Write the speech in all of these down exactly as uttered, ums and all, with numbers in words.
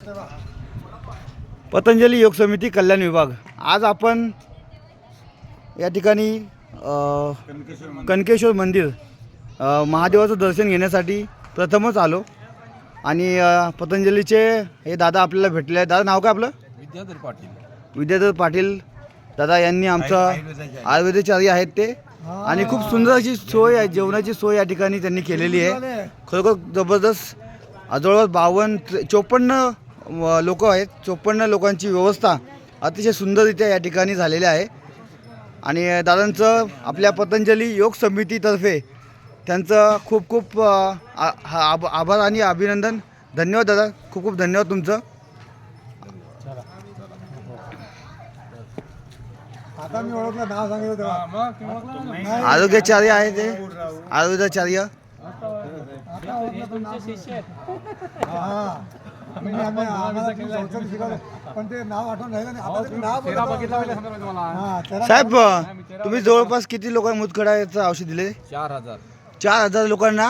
पतंजली योग समिती कल्याण विभाग। आज आपण या ठिकाणी कनकेश्वर मंदिर महादेवाचं दर्शन घेण्यासाठी प्रथमच आलो आणि पतंजलीचे हे दादा आपल्याला भेटले आहेत। दादा नाव काय आपलं? विद्याधर पाटील। विद्याधर पाटील दादा यांनी आमचा आयुर्वेदाचार्य आहेत ते आणि खूप सुंदर अशी सोय आहे, जेवणाची सोय या ठिकाणी त्यांनी केलेली आहे। खरोखर जबरदस्त। जवळपास बावन्न चोपन्न लोक आहेत, चोपन्न लोकांची व्यवस्था अतिशय सुंदररित्या या ठिकाणी झालेली आहे आणि दादांचं आपल्या पतंजली योग समितीतर्फे त्यांचं खूप खूप आभार आणि अभिनंदन। धन्यवाद दादा, खूप खूप धन्यवाद तुमचं। आता मी ओळखलं, नाव सांगितलं आरोग्याचार्य आहे ते, आरोग्याचार्य। साहेब तुम्ही जवळपास किती लोक मुतखड्याचं औषध दिले? चार हजार चार हजार लोकांना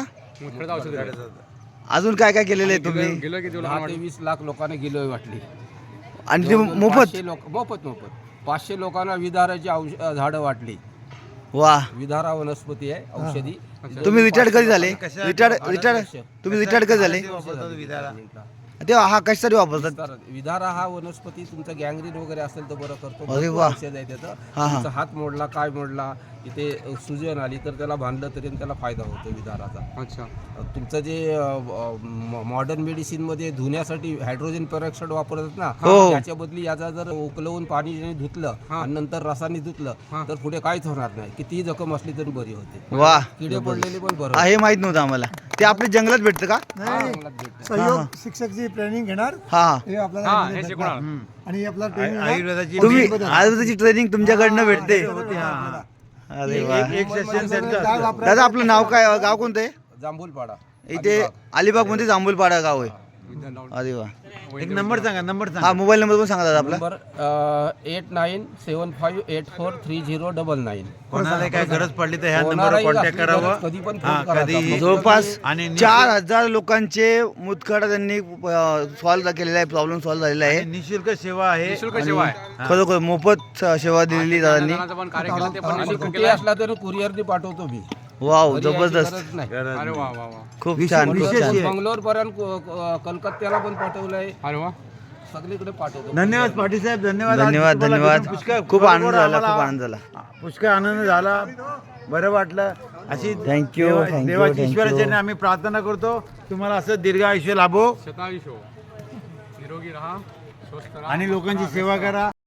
अजून काय काय केलेलं आहे तुम्ही? दहा ते वीस लाख लोकांना गिलोय वाटली आणि ते मोफत लोक मोफत मोफत पाचशे लोकांना विधाराची औषध झाडं वाटली। वा, विधारा वनस्पती आहे, औषधी। तुम्ही रिटायर्ड कधी झाले? रिटायर्ड रिटायर्ड तुम्ही रिटायर्ड कधी झाले? तेव्हा हा कशासाठी वापरतात? विधारा हा वनस्पती तुमचा गँग्रीन वगैरे असेल तर बरं करतो। अरे वा, औषध आहे त्याचं। तुमचा हात मोडला, काय मोडला, इथे सुजन आली तर त्याला बांधलं तरी त्याला फायदा होतो विधाराचा। अच्छा, तुमचं जे मॉडर्न मेडिसिन मध्ये धुण्यासाठी हायड्रोजन पेरॉक्साईड वापरतात ना, त्याच्या बदली याचा जर उकलवून पाणी धुतलं आणि नंतर रसाने धुतलं तर पुढे काहीच होणार नाही, कितीही जखम असली तरी बरी होते। वा, किडे पडलेले पण बरं। हे माहित नव्हतं आम्हाला। ते आपल्या जंगलात भेटतं का? सहयोग शिक्षकची ट्रेनिंग घेणार हा हे आपल्याला आणि आपला आयुर्वेदाची तुम्ही आयुर्वेदाची ट्रेनिंग तुमच्याकडनं भेटते। अरे वा, दादा आपलं नाव काय, गाव कोणतं आहे? जांभूलपाडा। इथे अलिबाग मध्ये जांभूलपाडा गाव आहे। अरे वा, एक नंबर सांगा, नंबर हा मोबाईल नंबर पण सांगा दादा आपला। Number eight nine seven five eight four three zero double nine. कोणाला काय गरज पडली तर ह्या नंबरवर कॉन्टॅक्ट करावं कधी पण फोन करा। जवळपास चार हजार लोकांचे मुतखडा त्यांनी सॉल्व्ह केलेला आहे, प्रॉब्लेम सॉल्व्ह झालेला आहे। निशुल्क सेवा आहे, खरोखर मोफत सेवा दिलेली दादांनी। आणि कुठे असला तरी कुरिअरने पाठवतो मी। वाव, जबरदस्त, खूप छान, खूप छान। बंगलोर पर्यंत, कलकत्त्याला पण पाठवलंय। अरे वा, सगळीकडे पाठवतो। धन्यवाद पाटील साहेब, धन्यवाद धन्यवाद धन्यवाद, खूप आनंद झाला, खूप आनंद झाला, पुष्कळ आनंद झाला, बरं वाटलं। अशी थँक्यू देवाची ईश्वराची आम्ही प्रार्थना करतो तुम्हाला असं दीर्घ आयुष्य लाभो, निरोगी राहा, आणि लोकांची सेवा करा।